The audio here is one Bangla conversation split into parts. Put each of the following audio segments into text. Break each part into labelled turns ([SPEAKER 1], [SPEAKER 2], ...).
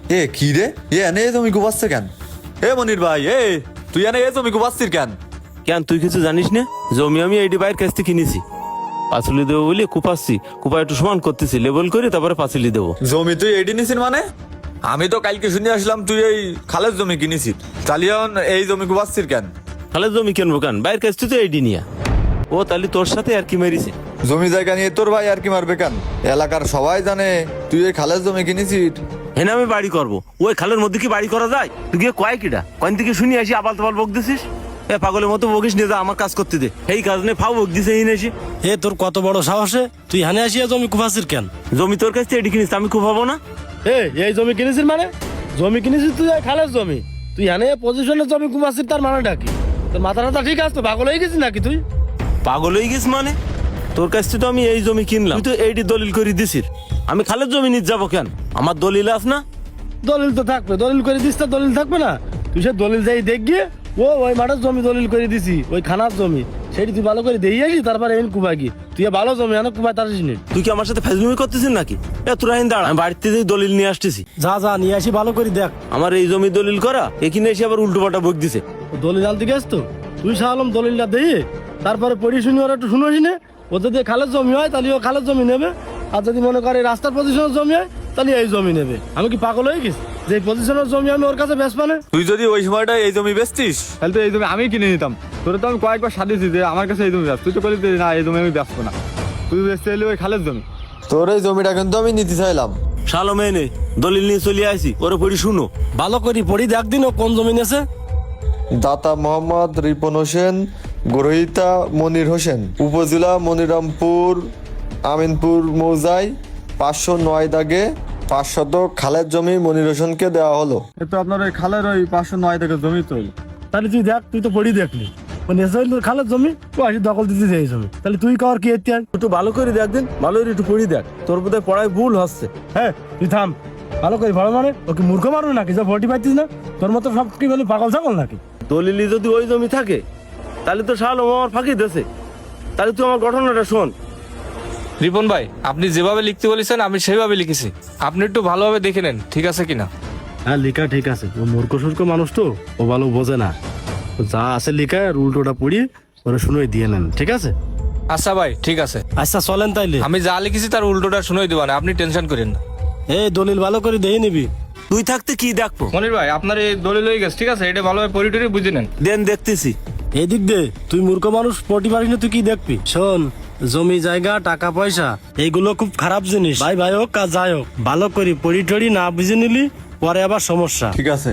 [SPEAKER 1] এ কি রে, এনে এ জমি কুপাচ্ছে কেন? এ মনির ভাই, তুই এনে এ জমি কুপাচ্ছিস কেন?
[SPEAKER 2] কেন তুই কিছু জানিস না? জমি আমি এইটি বাইরের কাছ থেকে কিনেছি, পাঁচিলি দেবো বলে কুপাচ্ছি, কুপা একটু সমান করতেছি, লেবেল করে তারপরে পাঁচিলি দেবো।
[SPEAKER 1] জমি তুই এডি নিছিস মানে? আমি তো কালকে শুনে আসলাম তুই এই খালের জমি কিনেছিস, তাহলে এখন এই জমি কুপাচ্ছিস কেন?
[SPEAKER 2] খালের জমি কিনবো কেন? বাইরের কাছ থেকে তো এইটি নিয়া। ও তাহলে তোর সাথে আর কি মেরিছে?
[SPEAKER 1] জমি জায়গা নিয়ে তোর ভাই আর কি মারবে কেন? এলাকার সবাই জানে তুই এই খালের জমি কিনেছিস।
[SPEAKER 2] হেনে আমি বাড়ি করবো, ওই খালের মধ্যে কি বাড়ি করা যায়? তুই গিয়ে কয় কিটা কয়েন থেকে শুনি আসি আবাল তাবাল বক দিছিস। এ পাগলের মতো বকিস নিয়ে যা, আমার কাজ করতে দে। এই কাজ নিয়ে ফাও বক দিছে হিনে এসে।
[SPEAKER 3] এ তোর কত বড় সাহসে তুই হানে আসিয়া জমি কুপাসির কেন?
[SPEAKER 2] জমি তোর কাছ থেকে এটি কিনিস, আমি কুপাবো না?
[SPEAKER 3] এই জমি কিনেছিস মানে? জমি কিনেছিস তুই খালের জমি, তুই হানে পজিশনের জমি কুপাসির, তার মানেটা কি? তোর মাথাটা ঠিক আছে তো? পাগল হয়ে গেছিস নাকি তুই?
[SPEAKER 2] পাগল হয়ে গেছিস মানে? তোর কাছ থেকে তো আমি এই জমি কিনলাম, তুই তো এইটি দলিল করে দিছিস। আমি খালের জমি নিতে যাবো কেন? আমার দলিল আস না?
[SPEAKER 3] দলিল তো থাকবে, দলিল করে দিস, তো দলিল থাকবে না? তুই সে দলিল যাই দেখ গিয়ে, ওই মাঠের জমি দলিল করে দিছি, ওই খানার জমি, সেটি তুই ভালো করে দিয়ে আসি, তারপরে এন কুপাই কি তুই ভালো জমি আনো কুপাই তার নি।
[SPEAKER 2] তুই কি আমার সাথে ফেজলুমি করতেছিস নাকি? এ তোরা দাঁড়া, আমি বাড়িতে যেই দলিল নিয়ে আসতেছি।
[SPEAKER 3] যা নিয়ে আসি, ভালো করে দেখ।
[SPEAKER 2] আমার এই জমি দলিল করা, এখানে এসে আবার উল্টো পাল্টা বক দিছে।
[SPEAKER 3] দলিল আনতে গেছ তো তুই সালাম, দলিলটা দিয়ে তারপরে পড়ি শুনি ওরা একটু শুনোস নে। ও যদি খালের জমি হয় তাহলে ও খালের জমি নেবে, আর যদি মনে করে রাস্তার পজিশনের জমি হয় তাহলে এই জমি নেবে। আমি কি পাগল হয়ে গেছি যে পজিশনের জমি আমি ওর কাছে বেচবো না?
[SPEAKER 1] তুই যদি ওই সময়টা এই জমি বেচতিস
[SPEAKER 4] তাহলে তো এই জমি আমি কিনে নিতাম। তোরে তো আমি কয়েকবার সাজিয়েছি যে আমার কাছে এই জমি ব্যস্ত, তুই তো বলি না এই জমি আমি ব্যস্ত না, তুই বেচতে এলি ওই খালের জমি।
[SPEAKER 1] তোর এই জমিটা কিন্তু আমি নিতে চাইলাম।
[SPEAKER 2] শালো মেনে দলিল নিয়ে চলে আসি, ওরে পড়ি শুনো।
[SPEAKER 3] ভালো করে পড়ি দেখ দিন ও কোন জমি নেছে।
[SPEAKER 1] দাতা মোহাম্মদ রিপন হোসেন, গ্রহিতা মনির হোসেন, উপজেলা মনিরামপুর, আমিনপুর মৌজায় 509 দাগে 5 শতক খালের জমি মনির হোসেনকে দেওয়া হলো।
[SPEAKER 4] এ তো আপনার ওই খালের ওই 509 টাকা জমি তো।
[SPEAKER 3] তাহলে তুই দেখ, তুই তো পড়ি দেখলি ও নেছে তোর খালের জমি, ও আসি দখল দিতে এই জমি, তাহলে তুই কর কি এতে?
[SPEAKER 2] একটু ভালো করে দেখ দিন, ভালো করে একটু পড়ি দেখ, তোর বোধহয় পড়ায় ভুল হচ্ছে।
[SPEAKER 3] হ্যাঁ তুই থাম, ভালো করে ভালো মানে ওকে মূর্খ মারু নাকি যা ভোটি পাইতিস না? তোর মতো সব কি বলি পাগল ছাগল নাকি?
[SPEAKER 2] দলিলি যদি ওই জমি থাকে তাহলে তো শালো আমার ফাঁকি দেছে। তাহলে তুই আমার ঘটনাটা শোন।
[SPEAKER 5] রিপন ভাই, আপনি যেভাবে লিখতে বলেছেন আমি সেভাবে লিখেছি, আপনি একটু ভালোভাবে দেখে নেন ঠিক আছে কিনা।
[SPEAKER 3] হ্যাঁ লেখা ঠিক আছে, ও মূর্খ সুর্খ মানুষ তো, ও ভালো বোঝে না। ও যা আছে লেখা আর উল্টোটা পড়িয়ে ওরা শুনে দিয়ে নেন, ঠিক আছে?
[SPEAKER 5] আচ্ছা ভাই ঠিক আছে,
[SPEAKER 3] আচ্ছা চলেন তাইলে।
[SPEAKER 5] আমি যা লিখেছি তার উল্টোটা শুনেই দেবেন, আপনি টেনশন করেন না।
[SPEAKER 3] এই দলিল ভালো করে দিয়ে নিবি।
[SPEAKER 2] তুই থাকতে কি দেখবো?
[SPEAKER 5] মনির ভাই আপনার এই দলিল হয়ে গেছে ঠিক আছে, এটা ভালোভাবে পরিটরি বুঝে নেন।
[SPEAKER 2] দেন দেখতেছি।
[SPEAKER 3] এদিক দে, তুই মূর্খ মানুষ পটি পারিস না, তুই কি দেখবি? শোন, জমি জায়গা টাকা পয়সা এইগুলো খুব খারাপ জিনিস, ভাই ভাই হোক কাজ যাই হোক, ভালো করি পড়ি টড়ি না বুঝে নিলি পরে আবার সমস্যা।
[SPEAKER 1] ঠিক আছে।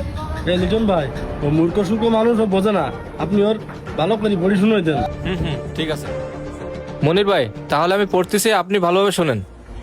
[SPEAKER 3] এই লিটন ভাই, ও মূর্খ সুর্খ মানুষ, ও বোঝে না, আপনি ওর ভালো করে পড়ি শুনে দেন।
[SPEAKER 5] ঠিক আছে মনির ভাই, তাহলে আমি পড়তেছি, আপনি ভালোভাবে শোনেন।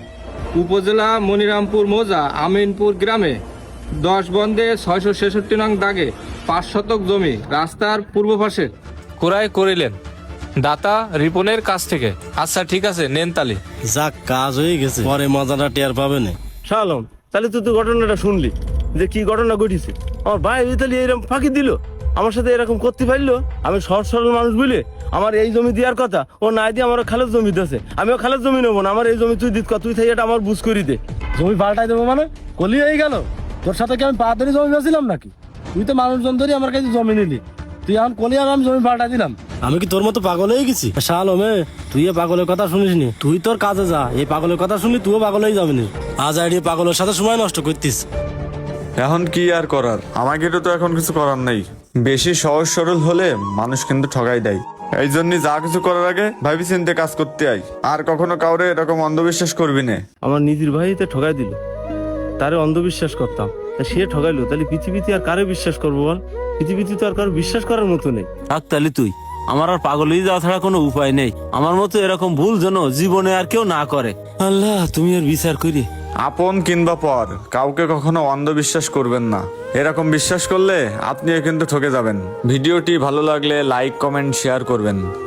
[SPEAKER 5] উপজেলা মনিরামপুর মৌজা আমিনপুর গ্রামে 10 বন্ধে 666 নং দাগে 5 শতক জমি রাস্তার পূর্ব পাশে ক্রয় করিলেন দাতা রিপনের কাছ থেকে। আচ্ছা ঠিক আছে, নেন তালি।
[SPEAKER 3] যাক কাজ হয়ে গেছে, পরে মজাটা টের পাবে না।
[SPEAKER 2] শালম, তাহলে তুই তো ঘটনাটা শুনলি যে কি ঘটনা ঘটেছে। আমার ভাই তাহলে এরকম ফাঁকি দিল, আমার সাথে এরকম করতে পারলো। আমি সহজ সরল মানুষ বলে আমার এই জমি দেওয়ার কথা, ও না দিয়ে আমার খালের জমি দিয়েছে। আমিও খালের জমি নেবো না, আমার এই জমি তুই দিত, তুই থেকে এটা আমার বুঝ করি দে।
[SPEAKER 3] জমি পাল্টাই দেবো মানে? কলি হয়ে গেল? তোর সাথে কি আমি পা ধরে জমি বেছিলাম নাকি? তুই তো মানুষজন ধরে আমার কাছে জমি নিলি, তুই এখন কলি আর আমি জমি পাল্টাই দিলাম? আমি কি তোর মতো পাগল হয়ে গেছি? শালমে, তুই এ পাগলের কথা শুনিস নি, তুই তোর কাজে যা। এই পাগলের কথা শুনলি তুইও পাগল হয়ে যাবি না। আজ আইডিয়া পাগলের সাথে সময় নষ্ট করতিস।
[SPEAKER 1] এখন কি আর করার, আমাকে তো এখন কিছু করার নেই। বেশি সহজ সরল হলে মানুষ কিন্তু ঠগাই দেয়। এই জন্য যা কিছু করার আগে ভাবি চিন্তে কাজ করতে আই। আর কখনো কাউরে এরকম অন্ধবিশ্বাস করবি না।
[SPEAKER 2] আমার নিজের ভাইতে ঠগাই দিল, তারে অন্ধবিশ্বাস করতাম, তা সে ঠগাইলো, তাহলে পৃথিবীতে আর কারে বিশ্বাস করবো বল? পৃথিবীতে তো আর কারো বিশ্বাস করার মতো নেই। থাক তাহলে তুই, আমার আর পাগল হয়ে যাওয়া ছাড়া কোনো উপায় নেই। আমার মতো এরকম ভুল যেন জীবনে আর কেউ না করে। আল্লাহ তুমি আর বিচার করি।
[SPEAKER 1] আপন কিংবা পর কাউকে কখনো অন্ধবিশ্বাস করবেন না। এরকম বিশ্বাস করলে আপনিও কিন্তু ঠকে যাবেন। ভিডিওটি ভালো লাগলে লাইক কমেন্ট শেয়ার করবেন।